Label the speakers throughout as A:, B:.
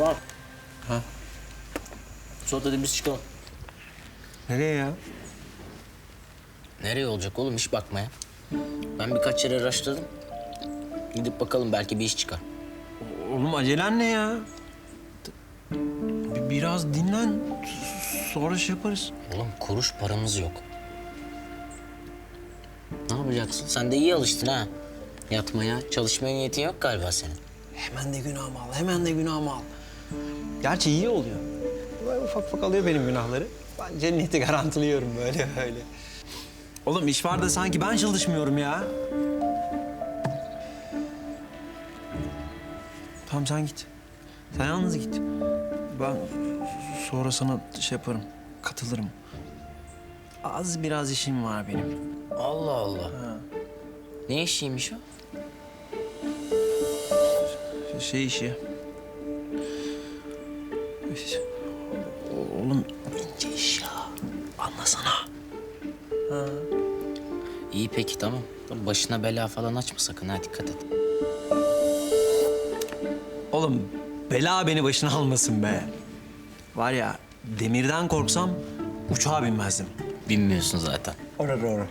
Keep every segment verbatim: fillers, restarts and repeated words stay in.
A: Tamam.
B: Ha?
A: Sonra da biz çıkalım.
B: Nereye ya?
A: Nereye olacak oğlum iş bakmaya? Ben birkaç yere araştırdım. Gidip bakalım belki bir iş çıkar.
B: Oğlum acelen ne ya? Bir- Biraz dinlen. Sonra şey yaparız.
A: Oğlum kuruş paramız yok. Ne yapacaksın? Sen de iyi alıştın ha. Yatmaya, çalışmaya niyetin yok galiba senin.
B: Hemen de günahımı al, hemen de günahımı al. Gerçi iyi oluyor. Böyle ufak ufak alıyor benim günahları. Ben cenneti garantiliyorum böyle böyle. Oğlum iş var da sanki ben çalışmıyorum ya. Tamam sen git. Sen yalnız git. Ben sonra sana şey yaparım, katılırım. Az biraz işim var benim.
A: Allah Allah.
B: Ha.
A: Ne işiymiş o?
B: Şey işi. Oğlum ince iş ya. Anlasana. Ha.
A: İyi peki tamam. Başına bela falan açma sakın ha dikkat et.
B: Oğlum bela beni başına almasın be. Var ya demirden korksam uçağa binmezdim.
A: Bilmiyorsun zaten.
B: Orada doğru.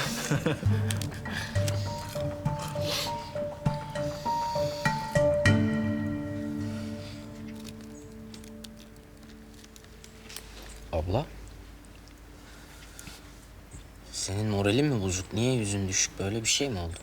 A: Abla. Senin moralin mi bozuk? Niye yüzün düşük? Böyle bir şey mi oldu?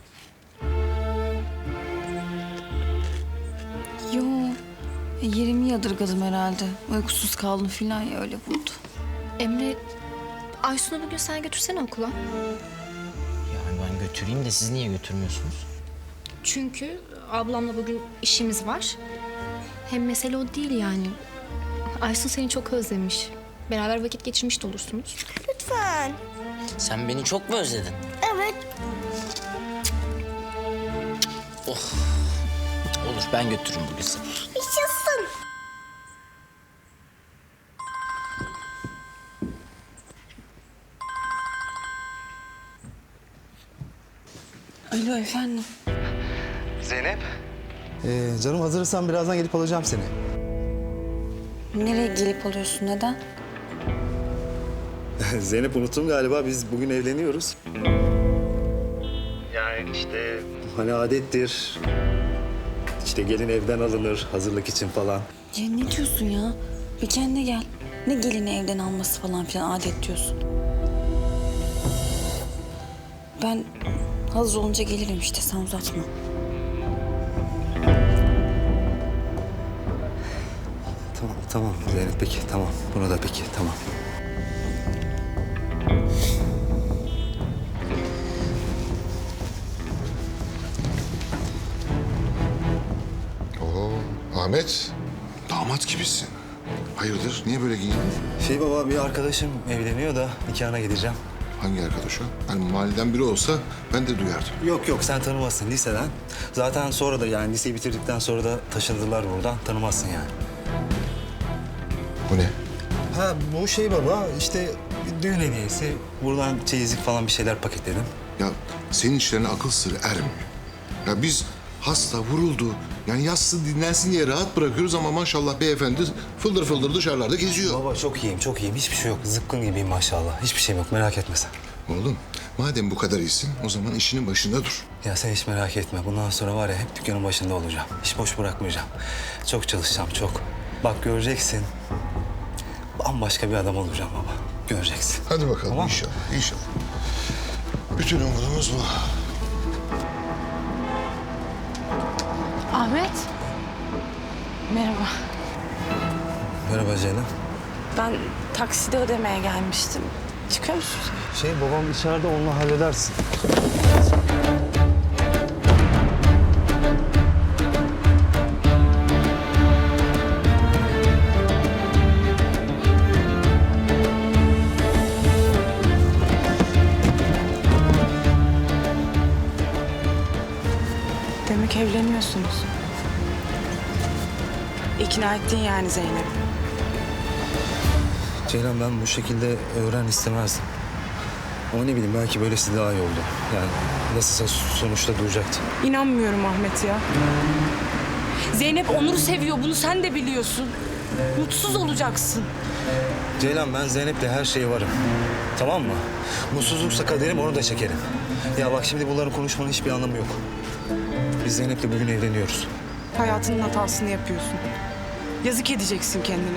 C: Yo, e, yerimi yadırgadım herhalde. Uykusuz kaldım filan ya öyle vurdu.
D: Emre, Aysun'u bugün sen götürsene okula.
A: Yani ben götüreyim de siz niye götürmüyorsunuz?
D: Çünkü ablamla bugün işimiz var. Hem mesele o değil yani. Aysun seni çok özlemiş. Beraber vakit geçirmiş de olursunuz.
E: Lütfen.
A: Sen beni çok mu özledin?
E: Evet.
A: Oh. Olur ben götürürüm bugün seni.
E: Yaşasın.
C: Alo efendim.
F: Zeynep. Ee, canım hazırsan birazdan gelip alacağım seni.
C: Nereye gelip alıyorsun, neden?
F: Zeynep unuttum galiba biz bugün evleniyoruz. Yani işte hani adettir. İşte gelin evden alınır hazırlık için falan.
C: Ya ne diyorsun ya? Bir kendine gel. Ne gelini evden alması falan filan adet diyorsun. Ben hazır olunca gelirim işte, sen uzatma.
F: Tamam tamam Zeynep peki tamam. Buna da peki tamam.
G: Oo, Ahmet, damat gibisin. Hayırdır, niye böyle giyindin?
F: Şey baba bir arkadaşım evleniyor da nikahına gideceğim.
G: Hangi arkadaş o? Hani mahalleden biri olsa ben de duyardım.
F: Yok yok sen tanımazsın liseden. Zaten sonra da yani liseyi bitirdikten sonra da taşındılar buradan. Tanımazsın yani.
G: Bu ne?
F: Ha bu şey baba işte bir düğün hediyesi. Buradan çeyizlik falan bir şeyler paketledim.
G: Ya senin işlerine akıl sırrı ermiyor. Ya biz hasta, vuruldu. Yani yatsın dinlensin diye rahat bırakıyoruz ama maşallah beyefendi fıldır fıldır dışarılarda geziyor.
F: Baba çok iyiyim çok iyiyim. Hiçbir şey yok. Zıpkın gibiyim maşallah. Hiçbir şeyim yok merak etme sen.
G: Oğlum madem bu kadar iyisin o zaman işinin başında dur.
F: Ya sen hiç merak etme. Bundan sonra var ya hep dükkanın başında olacağım. Hiç boş bırakmayacağım. Çok çalışacağım çok. Bak göreceksin. Bambaşka bir adam olacağım baba. Göreceksin.
G: Hadi bakalım
F: Tamam.
G: inşallah, inşallah. Bütün umudumuz bu.
C: Ahmet. Merhaba.
F: Merhaba Zeynep.
C: Ben takside ödemeye gelmiştim. Çıkıyor musun?
F: Şey babam içeride onunla halledersin.
H: Demek evleniyorsunuz. İkna ettin yani Zeynep.
F: Ceylan ben bu şekilde öğren istemezdim. Ama ne bileyim belki böylesi daha iyi oldu. Yani nasılsa sonuçta duracaktı.
H: İnanmıyorum Ahmet ya. Zeynep Onur'u seviyor. Bunu sen de biliyorsun. Mutsuz olacaksın.
F: Ceylan ben Zeynep'le her şeye varım. Tamam mı? Mutsuzluksa kaderim onu da çekerim. Ya bak şimdi bunların konuşmanın hiçbir anlamı yok. Biz Zeynep'le bugün evleniyoruz.
H: Hayatının hatasını yapıyorsun. Yazık edeceksin kendine.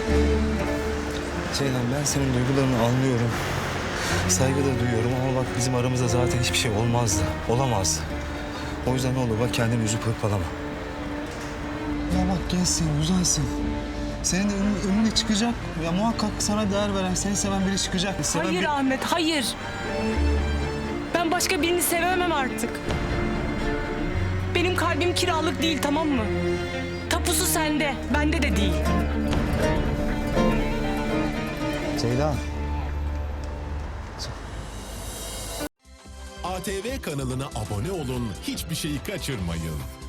F: Ceylan ben senin duygularını anlıyorum. Saygı da duyuyorum ama bak bizim aramızda zaten hiçbir şey olmazdı. Olamazdı. O yüzden ne olur bak kendini üzüp hırpalama. Ya bak gençsin, güzelsin. Senin de önüne, önüne çıkacak. Ya muhakkak sana değer veren, seni seven biri çıkacak. Seven
H: Hayır
F: bir-
H: Ahmet, hayır. Ben başka birini sevemem artık. Benim kalbim kiralık değil, tamam mı? Tapusu sende, bende de değil.
F: Ceylan.
I: A T V kanalına abone olun, hiçbir şeyi kaçırmayın.